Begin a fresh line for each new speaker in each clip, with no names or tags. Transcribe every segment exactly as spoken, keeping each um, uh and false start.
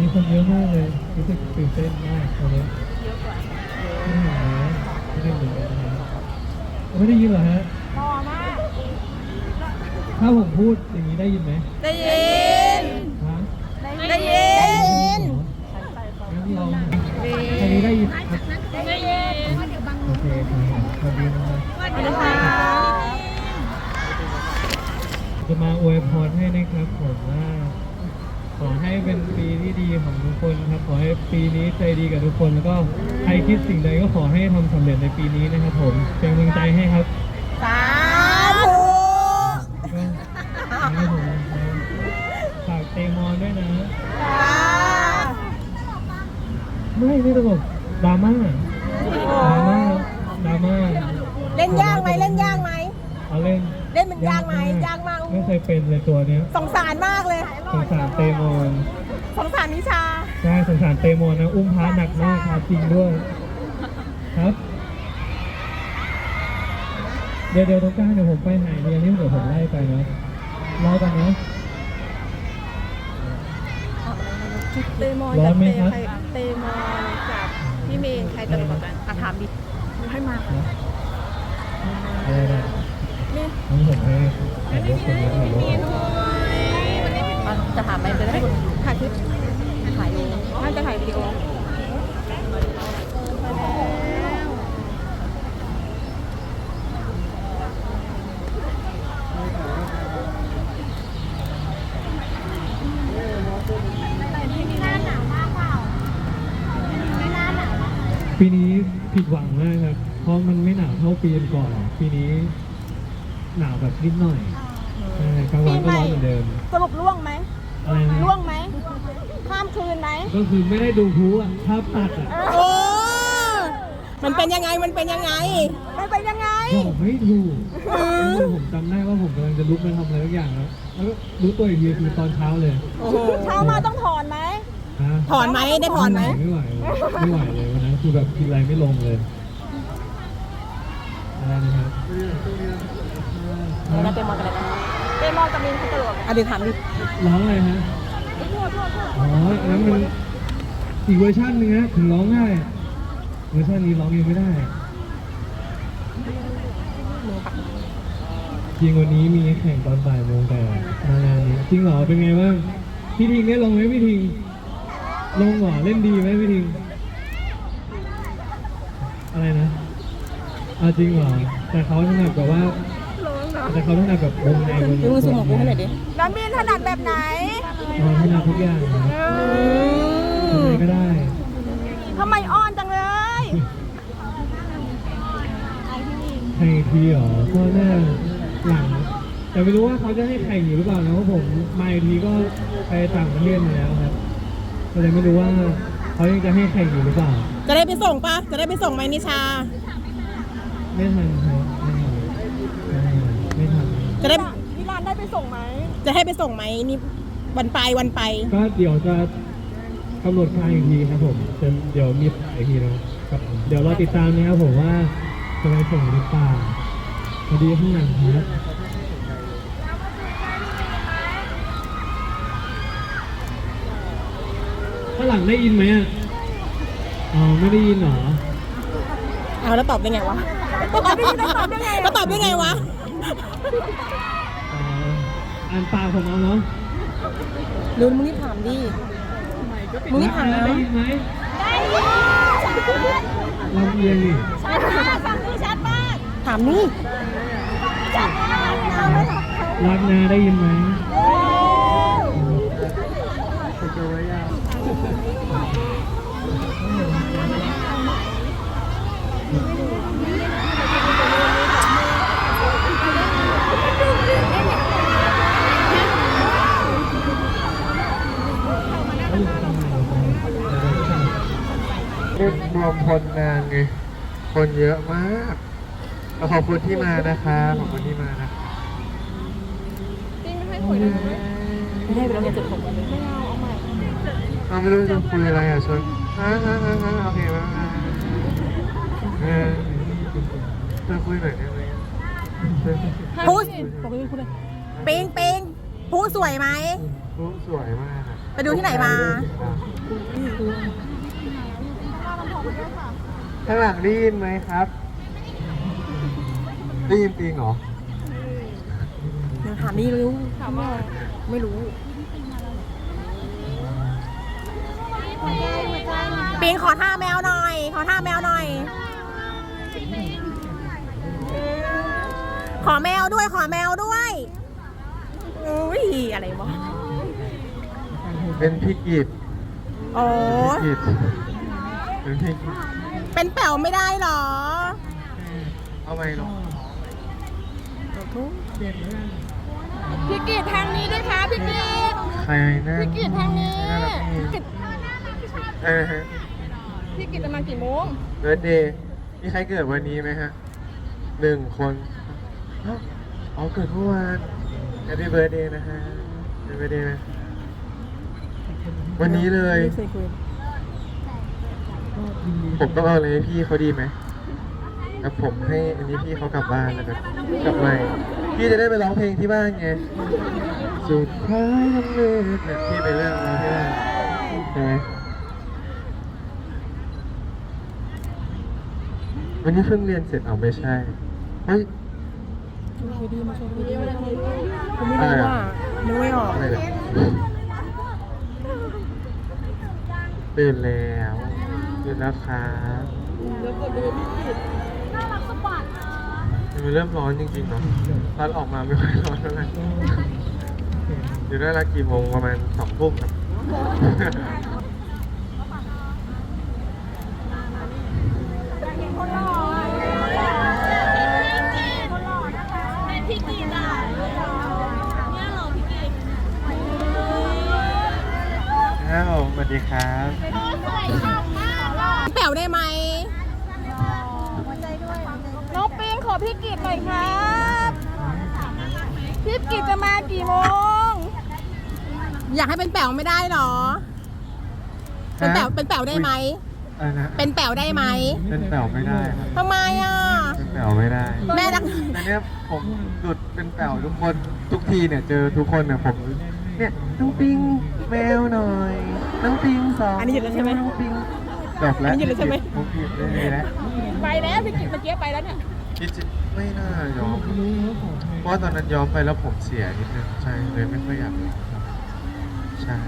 คนเยอะมากเลยรู้สึกตื่นเต้นมากตอนนี้เยอะกว่าไม่เห็นนะไม่ได้ยินเลยนะไม่ได้ยินเหรอฮะต่อมาถ้าผมพูดอย่างนี้ได้ยินไหม
ได้ยิน
ฮะ
ได้ยิน
งั้นลองอันนี้ได้ยินครับ
ได้ยิน
โอเคครับสวัสดีนะครับ
สวัสดีค่ะ
จะมาอวยพรให้นะครับผมว่าขอให้เป็นปีที่ดีของทุกคนครับขอให้ปีนี้ใจดีกับทุกคนแล้วก็ใครคิดสิ่งใดก็ขอให้ทำสำเร็จในปีนี้นะครับผมเป็นกำลังใจให้ครับ
สาธุ
ก็ให้ผมฝากเตมอนด้วยนะไม่ไม่ตลกดราม่าดราม่าดราม่า
เล่นยากไหมเล่นยากไหม
เอาเล่น
เล่นมันยากไหมยากมาก
ไม่เคยเป็นเลยตัวเนี้ย
สงสารมากเลย
สงสารเตมอน
สงสารนิชา
ใช่สงสารเตมอนนะอุ้มพระหนักมากครับจริงด้วยครับเดี๋ยวเดี๋ยวตรงกลางเดี๋ยวผมไปหายเรียนนี่เดี๋ยวผมไล่ไปนะรอกันนะ
เตมอนกับเตใครเตมอนกับพี่เมย์ใครตลกกว่ากันถามดิให้มา
ได้ได้นี่ผมให้ถ่ายรูปคนนี้ถ่ายรูป
จะถามไหมจะได้ถ่ายคลิปถ่ายน่าจะถ่ายวิดีโอ
ปีนี้ผิดหวังมากครับเพราะมันไม่หนาวเท่าปีก่อนปีนี้หนาวแบบนิดหน่อยกลางวันก็ร้อนเหมือนเดิม
สรุปล่วงไหม
อะไรนะ
ล่วงไหมข้ามคืนไหม
ก็คือไม่ได้ดูพลุอ่ะภาพตัดอ่ะ
โอ้มันเป็นยังไงมันเป็นยังไงมันเป็นยังไง
ผมไม่ถูกผมจำได้ว่าผมกำลังจะลุกไปทำอะไรทุกอย่างแล้วแล้วก็รู้ตัวอีกทีคือตอนเช้าเลย
เช้ามาต้องถอนไหมถอนไหมได้ถอนไหม
ไม่ไหวไม่ไหวเลยวันนั้นคือแบบกินอะไรไม่ลงเลยอะไรนะครับ
เราเตมอนกันเลยนะเตมอนกับมินเขาตลกอ่ะเดี๋ยวถามดิ
ร้องอะไรฮะอ๋ออันนั้นมันอีกเวอร์ชันนึงนะถึงร้องง่ายเวอร์ชันนี้ร้องยังไม่ได้จริงวันนี้มีแข่งตอนบ่ายโมงแต่มางานนี้จริงเหรอเป็นไงบ้างพี่ทิงได้ลงไหมพี่ทิงลงเหรอเล่นดีไหมพี่ทิงอะไรนะเอาจริงเหรอแต่เขาถนัดแบบว่าแต่เขาถนัดแบบวงในวงใน
ดูสมองกูให้หน่อยดิน้ำมินถนัดแบบไหน
อ๋อถนัดทุกอย่างนะทำไมก็ได้
ทำไมอ้อนจังเลย
ให้ทีเหรอก็น่าหลังแต่ไม่รู้ว่าเขาจะให้แข่งอยู่หรือเปล่านะเพราะผมมาอีกทีก็ไปต่างประเทศมาแล้วครับก็เลยไม่รู้ว่าเขายังจะให้แข่งอยู่หรือเปล่า
จะได้ไปส่งปะจะได้ไปส่งไหมนิชา
ไม่ทันครับไม่ทันไม่ทัน
จะได้นิรานได้ไปส่งไหมจะให้ไปส่งไหมนี่วันไปวันไป
ก็เดี๋ยวจะกำหนดการอีกทีครับผมเดี๋ยวมีอีกทีนะครับเดี๋ยวรอติดตามนะครับผมว่าจะไปส่งหรือเปล่าพอดีข้างหลังครับข้างหลังได้ยินไหมอ่ะอ๋อไม่ได้ยินหรอ
เอาแล้วตอบได้ไงวะตอบได้ไงตอบได้ไงแล้วตอบได้ไงวะ
อ่านปากผมเอาเนาะ
ลืมมึงนี่ถามดิมึงนี่ถาม
ได้ยินไหมได้ยินลำเอียงดิ
ชัดมากฟังดูชัดมากถามนี่ชัดมาก
รักนาได้ยินไหมรวมพลนางไงคนเยอะมากขอบคุณที่มานะคะขอบคุณที่มานะ
จริงไม่ให้คุยนะไม่ให้ไปแล้วไงจุดผมไม่เอาเอาใหม่
เราไม่รู้จะคุยอะไรอ่ะชวนฮ่าฮ่าฮ่าฮ่าโอเคมาเออจะคุยหน่อยได้ไหม
พูดปิงปิงพูดสวยไหม
พูดสวยมาก
ไปดูที่ไหนมา
ข้างหลังได้ยินไหมครับ ได้ยินจริงเหรอ
ยังถามนี่รู้ถามว่าไม่รู้ปีนขอท่าแมวหน่อย ขอท่าแมวหน่อย ขอแมวด้วย ขอแมวด้วยอุ้ยอะไรวะ
เป็นพี่กิต
โอ้
พี่กิตเป็นพี่กิต
เป็นแป๋วไม่ได้หรอ
เอาไหมหรอ
พี่กีดทางนี้ด้วยค่ะพี่กีด
ใครนะ
พี่กีดทางนี้
น่ารักดีเออฮะ
พี่กีดจะมากี่โมง
เบิร์ดเดย์มีใครเกิดวันนี้ไหมฮะหนึ่งคนอ้าวอ๋อเกิดเมื่อวานแฮปปี้เบิร์ดเดย์นะฮะแฮปปี้เบิร์ดเดย์นะวันนี้เลย ผมต้องเอาอะไรให้พี่เขาดีไหมแล้วผมให้อันนี้พี่เขากลับบ้านแล้วกันกลับมาพี่จะได้ไปร้องเพลงที่บ้านไงสุดท้ายน้ำเลือดเนี่ยพี่ไปเรื่องร้องที่บ้านใช่ไหมวันนี้เพิ่งเรียนเสร็จเอาไม่ใช่เฮ้ย
ผมไม่รู้ว่านึกไม่ออก
อะไรเนี่ยตื่นแล้วตื่นแล้วครับมันเริ่มร้อนจริงๆเนาะตอนออกมาไม่ค่อยร้อนเท่าไหร่อยู่ได้ละกี่โมงประมาณสองทุ่มครับอ้าวสวัสดีครับ
แป๋วได้ไหมน้องปิงขอพี่กีดหน่อยครับพี่กีดจะมากี่โมง อยากให้เป็นแป๋วไม่ได้หรอ เป็นแป๋วเป็นแป๋วได้ไหม
อะไรนะ
เป็นแป๋วได้ไหม
เป็นแป๋วไม่ได้ครับ
ทำไมอ่ะ
เป็นแป๋วไม่ได้
แม่รัก
แต่เนี้ยผมหลุดเป็นแป๋วทุกคนทุกทีเนี่ยเจอทุกคนเนี่ยผมเนี่ยน้องปิงแมวหน่อยน้องปิงสอง
อันนี้หยุดแล้วใช่ไหม
น้องปิงจบแล้ว
อันนี้หยุดแล้วใช่ไหม
ผมผิดเลยแล้ว
ไปแล้วพี่กีดเมื่อกี้ไปแล้วเนี่ย
คิดจะไม่น่ายอมเพราะว่าตอนนั้นยอมไปแล้วผมเสียนิดนึงใช่เลยไม่ค่อยอยากใช่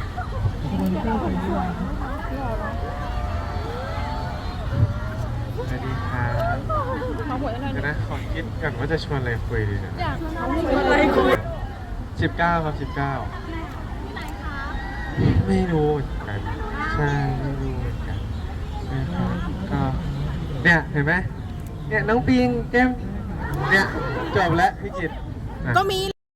สวัสดีครับ
ขอหัวได้
เดี๋ยวนะขอคิดก่อนว่าจะชวนอะไรคุยดีนะ
อยากอะไรคุย
สิบเก้าครับสิบเก้าไม่รู้เหมือนกันใช่ไม่รู้เหมือนกันใช่ครับก็เนี่ยเห็นไหมเนี่ยน้องปิงแก้มเนี่ยจบแล้วพี่กิตอ่ะ
ก็มี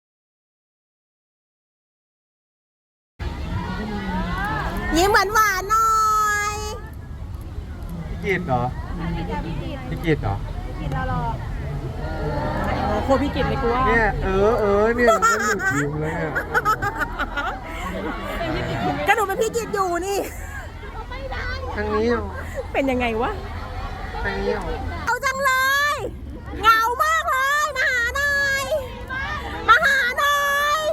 ยิ้มหวานหวานๆหน่อย
พี่กิตเหรอพี่กิตเหรอ
โคพี่กิตเลยกูว่า
เนี่ยเออเออเนี่ยมันหยุดยิ้มแล้วเนี่ย
ก็หนูเป็นพี่กิตอยู่นี่
ทางนี้เหรอ
เป็นยังไงวะ
ทางนี้เหรอ
เอาจังเลย เหงามากเลย มาหาหน่อย มาหาหน่อย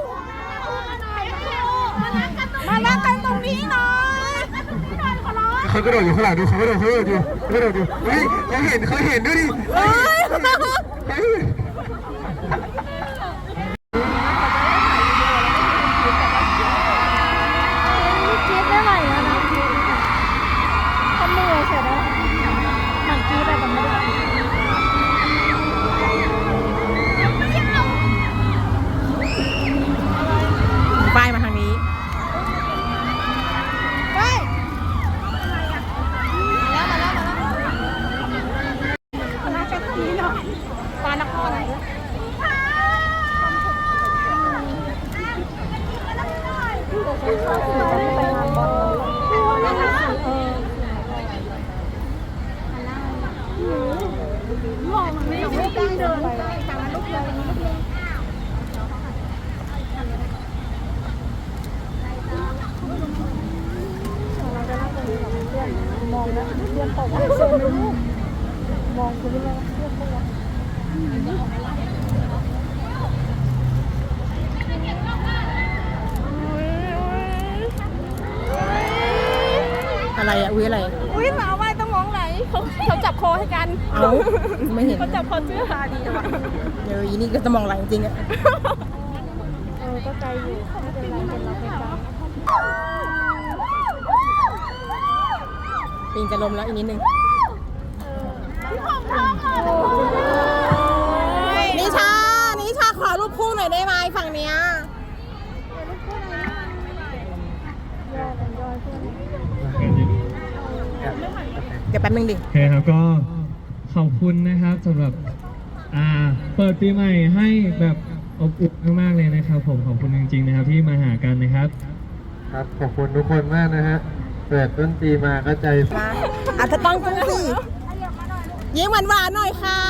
มารักกันตรงนี้หน่อย
เขากระโดดอยู่ข้างหลังดูเขากระโดดเขากระโดดอยู่เขากระโดดอยู่เฮ้ยเขาเห็นเขาเห็นด้วยดิ
เฮ้ย
เฮ้ย
คิดไม่ไหวแล้วนะทำมือเสร็จแล้วหนังกีแต่ไม่ได้ป้ายมาทางนี้ไปมาแล้วมาแล้วมาแล้วมาแล้วแค่นี้เนาะปลานครอะไรมองนะเพื่อนตกเซนไม่รู้มองคุณเลยเพื่อนตกอุ้ยอะไร
อุ้ยหมาว่ายต้องมองไหนเขาเขาจับคอให้กัน
เอาไม่เห็น
เขาจับคอเสื้อหาดีว่ะ
เดี๋ยวอีนี่ก็จะมองหลังจริงอะ
เออก็ใจอยู่ไม่เป็นไรเป็นเราเป็นเรา
ปิงจะลมแล้วอีกนิดนึงนิชานิชาขอรูปคู่หน่อยได้ไหมฝั่งเนี้ย เดี๋ยวแป๊บนึงดิ
โอเคครับก็ขอบคุณนะครับสำหรับอ่าเปิดปีใหม่ให้แบบอบอุ่นมากๆเลยนะครับผมขอบคุณจริงๆนะครับที่มาหากันนะครับ
ครับขอบคุณทุกคนมากนะฮะเปิดต้นปีมาก็ใจ
มาอาจจะต้องกุ้งสิยิ้มหวานๆหน่อยค่ะ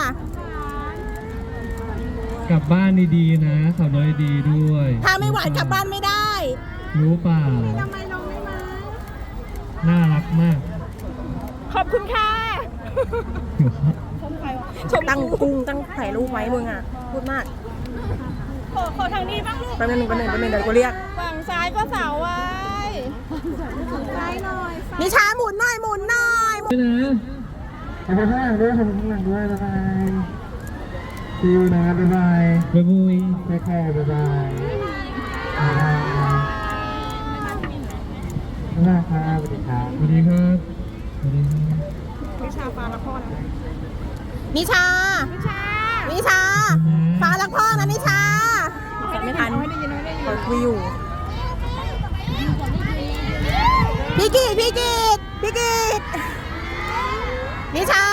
กลับบ้านดีๆนะขับรถดีๆด้วย
ถ้าไม่หวานกลับบ้านไม่ได้
รู้เปล่าน่ารักมาก
ขอบคุณค่ะ
ตั้งกุ้งตั้งถ่ายรูปไว้มึงอ่ะ พูดมาก
ขอขอทางนี้บ้างลูก
แป๊บนึงแป๊บนึงแป๊บนึงเดี๋ยวกูเรียก
ฝั่งซ้ายก็เสาไว้ซ้ายหน่อย
นิชาหมุนหน่อยหมุนหน่อยหมุน
ด้วยนะ
ขอบคุณข้างหลังด้วยขอบคุณข้างหลังด้วยบ๊ายบายคิวนะบ๊ายบาย
บ๊ายบาย
แค่แค่บ๊ายบายบ๊ายบายบ๊ายบายครับสวัสดีครับ
สวัสดีครับสวัสดีครับ
วิชาฟ้าละคร
นิชา
วิชา
นิชาฟ้ารักพ่อนะนิชาไม่ทัน
ไม่ได้ยินไม่ได้ยิน
เปิดคุยอยู่ พี่กีดพี่กีดพี่กีดนิชา